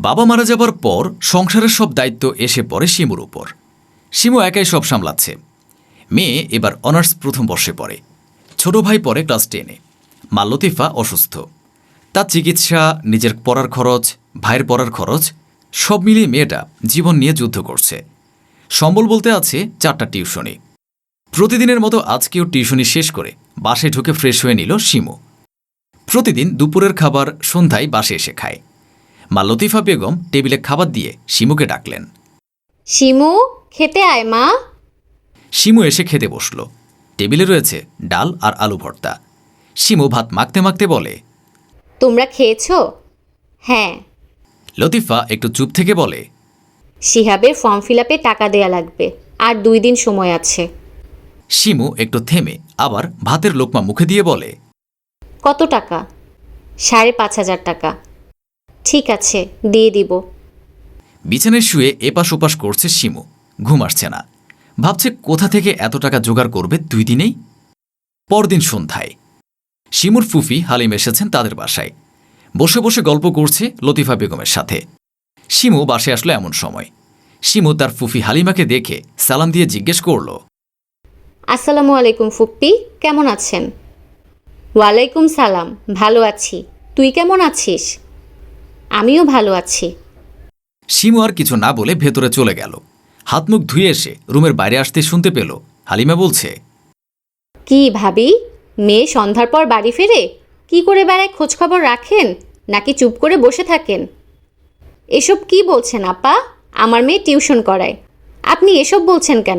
বাবা মারা যাবার পর সংসারের সব দায়িত্ব এসে পড়ে শিমুর উপর। শিমু একাই সব সামলাচ্ছে। মেয়ে এবার অনার্স প্রথম বর্ষে পড়ে, ছোট ভাই পড়ে ক্লাস 10-এ। মা লতিফা অসুস্থ, তার চিকিৎসা, নিজের পড়ার খরচ, ভাইয়ের পড়ার খরচ সব মিলিয়ে মেয়েটা জীবন নিয়ে যুদ্ধ করছে। সম্বল বলতে আছে 4টা টিউশনি। প্রতিদিনের মতো আজকেও টিউশনি শেষ করে বাসায় ঢুকে ফ্রেশ হয়ে নিল শিমু। প্রতিদিন দুপুরের খাবার সন্ধ্যায় বাসে এসে খায়। মা লতিফা বেগম টেবিলে খাবার দিয়ে শিমুকে ডাকলেন। শিমু, খেতে আয় মা। শিমু এসে খেতে বসল। টেবিলে রয়েছে ডাল আর আলু ভর্তা। শিমু ভাত মাখতে মাখতে বলে, তোমরা খেয়েছো? হ্যাঁ। লতিফা একটু চুপ থেকে বলে, শিহাবের ফর্ম ফিল আপে টাকা দেয়া লাগবে, আর 2 দিন সময় আছে। শিমু একটু থেমে আবার ভাতের লোকমা মুখে দিয়ে বলে, কত টাকা? 5,500 টাকা। ঠিক আছে, দিয়ে দিব। বিছানায় শুয়ে এপাশ ওপাশ করছে শিমু, ঘুম আসছে না। ভাবছে কোথা থেকে এত টাকা জোগাড় করবে 2 দিনেই। পরদিন সন্ধ্যায় শিমুর ফুফি হালিম এসেছেন তাদের বাসায়। বসে বসে গল্প করছে লতিফা বেগমের সাথে। শিমু বাসে আসলো এমন সময়। শিমু তার ফুফি হালিমাকে দেখে সালাম দিয়ে জিজ্ঞেস করল, আসসালামু আলাইকুম ফুপ্পি, কেমন আছেন? ওয়ালাইকুম সালাম, ভালো আছি। তুই কেমন আছিস? আমিও ভালো আছি। শিমু আর কিছু না বলে ভেতরে চলে গেল। হাত মুখ ধুয়ে এসে রুমের বাইরে আসতে শুনতে পেল হালিমা বলছে, কি ভাবি, মেয়ে সন্ধ্যার পর বাড়ি ফেরে? কি করে বেড়ায় খোঁজখবর রাখেন, নাকি চুপ করে বসে থাকেন? এসব কি বলছেন আপা? আমার মেয়ে টিউশন করায়, আপনি এসব বলছেন কেন?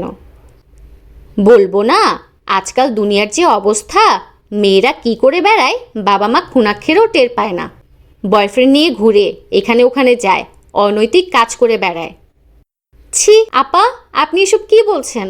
বলবো না, আজকাল দুনিয়ার যে অবস্থা, মেয়েরা কি করে বেড়ায় বাবা মা খুনাক্ষেরও টের পায় না। বয়ফ্রেন্ড নিয়ে ঘুরে এখানে ওখানে যায়, অনৈতিক কাজ করে বেড়ায়। ছি আপা, আপনি এসব কি বলছেন?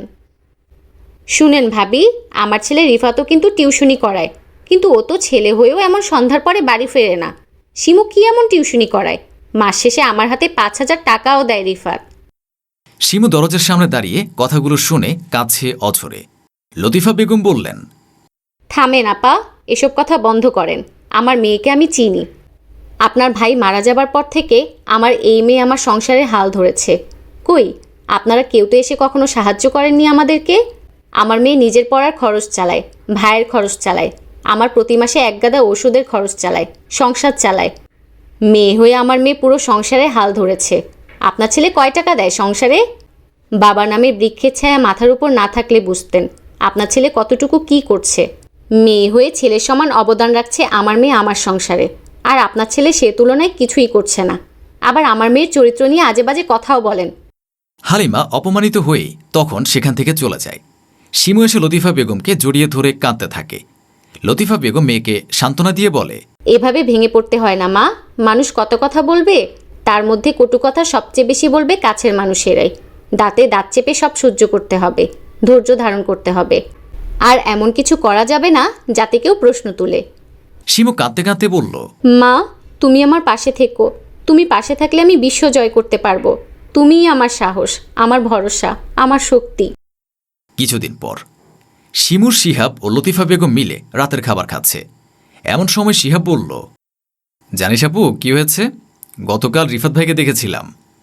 শুনেন ভাবি, আমার ছেলে রিফাতও কিন্তু টিউশনি করায়, কিন্তু ও তো ছেলে হয়েও এমন সন্ধ্যার পরে বাড়ি ফেরে না। শিমু কি এমন টিউশনি করায়? মাস শেষে আমার হাতে 5,000 টাকাও দেয় রিফাত। শিমু দরজার সামনে দাঁড়িয়ে কথাগুলো শুনে কাছে অঝরে। লতিফা বেগম বললেন, থামেন আপা, এসব কথা বন্ধ করেন। আমার মেয়েকে আমি চিনি। আপনার ভাই মারা যাবার পর থেকে আমার এই মেয়ে আমার সংসারের হাল ধরেছে। কই, আপনারা কেউ তো এসে কখনো সাহায্য করেননি আমাদেরকে। আমার মেয়ে নিজের পড়ার খরচ চালায়, ভাইয়ের খরচ চালায়, আমার প্রতি মাসে 1 গাদা ওষুধের খরচ চালায়, সংসার চালায়। মেয়ে হয়ে আমার মেয়ে পুরো সংসারে হাল ধরেছে। আপনার ছেলে কয় টাকা দেয় সংসারে? বাবা নামে বৃক্ষের ছায়া মাথার উপর না থাকলে বুঝতেন আপনার ছেলে কতটুকু কি করছে। মেয়ে হয়ে ছেলের সমান অবদান রাখছে আমার মেয়ে আমার সংসারে, আর আপনার ছেলে সে তুলনায় কিছুই করছে না। আবার আমার মেয়ের চরিত্র নিয়ে আজে বাজে কথাও বলেন। হালিমা অপমানিত হয়েই তখন সেখান থেকে চলে যায়। শিমু এসে লতিফা বেগমকে জড়িয়ে ধরে কাঁদতে থাকে। লতিফা বেগম মেয়েকে সান্ত্বনা দিয়ে বলে, এভাবে ভেঙে পড়তে হয় না মা। মানুষ কত কথা বলবে, তার মধ্যে কটু কথা সবচেয়ে বেশি বলবে কাছের মানুষেরাই। দাঁতে দাঁত চেপে সব সহ্য করতে হবে, ধৈর্য ধারণ করতে হবে, আর এমন কিছু করা যাবে না যাতে কেউ প্রশ্ন তুলে। শিমু কাঁদতে কাঁদতে বলল, মা, তুমি আমার পাশে থেকো। তুমি পাশে থাকলে আমি বিশ্ব জয় করতে পারবো। তুমিই আমার সাহস, আমার ভরসা, আমার শক্তি। কিছুদিন পর শিমুর শিহাব ও লতিফা বেগম মিলে রাতের খাবার খাচ্ছে। এমন সময় শিহাব বলল, জানিস আপু কি হয়েছে? গতকাল রিফাত ভাইকে দেখেছিলাম।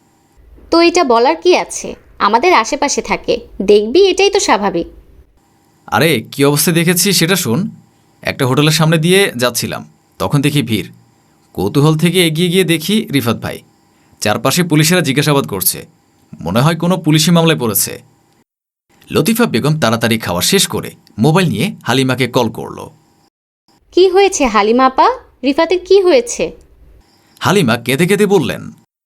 তো এটা বলার কি আছে? আমাদের আশেপাশে থাকে, দেখবি, এটাই তো স্বাভাবিক। আরে কি অবস্থায় দেখেছি সেটা শোন। একটা হোটেলের সামনে দিয়ে যাচ্ছিলাম, তখন দেখি ভিড়। কৌতূহল থেকে এগিয়ে গিয়ে দেখি রিফাত ভাই। চারপাশে পুলিশেরা জিজ্ঞাসাবাদ করছে, মনে হয় কোনো পুলিশি মামলায় পড়েছে। লতিফা বেগম তাড়াতাড়ি খাওয়া শেষ করে মোবাইল নিয়ে হালিমাকে কল করল। কি হয়েছে হালিমা আপা? রিফাতের কি হয়েছে? হালিমা কেঁদে কেঁদে বললেন,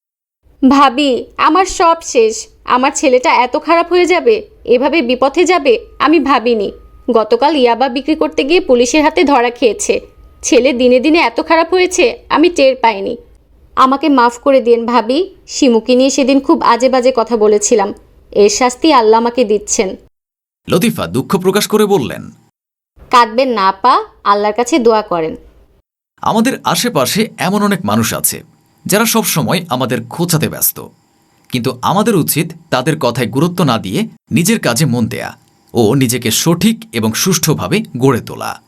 ভাবি, আমার সব শেষ। আমার ছেলেটা এত খারাপ হয়ে যাবে, এভাবে বিপথে যাবে আমি ভাবিনি। গতকাল ইয়াবা বিক্রি করতে গিয়ে পুলিশের হাতে ধরা খেয়েছে। ছেলে দিনে দিনে এত খারাপ হয়েছে আমি টের পাইনি। আমাকে মাফ করে দিন ভাবি। শিমুকে নিয়ে সেদিন খুব আজে বাজে কথা বলেছিলাম, এর শাস্তি আল্লাহ আমাকে দিচ্ছেন। লতিফা দুঃখ প্রকাশ করে বললেন, কাঁদবেন না আপা, আল্লাহর কাছে দোয়া করেন। আমাদের আশেপাশে এমন অনেক মানুষ আছে যারা সব সময় আমাদের খোঁচাতে ব্যস্ত, কিন্তু আমাদের উচিত তাদের কথায় গুরুত্ব না দিয়ে নিজের কাজে মন দেয়া ও নিজেকে সঠিক এবং সুষ্ঠুভাবে গড়ে তোলা।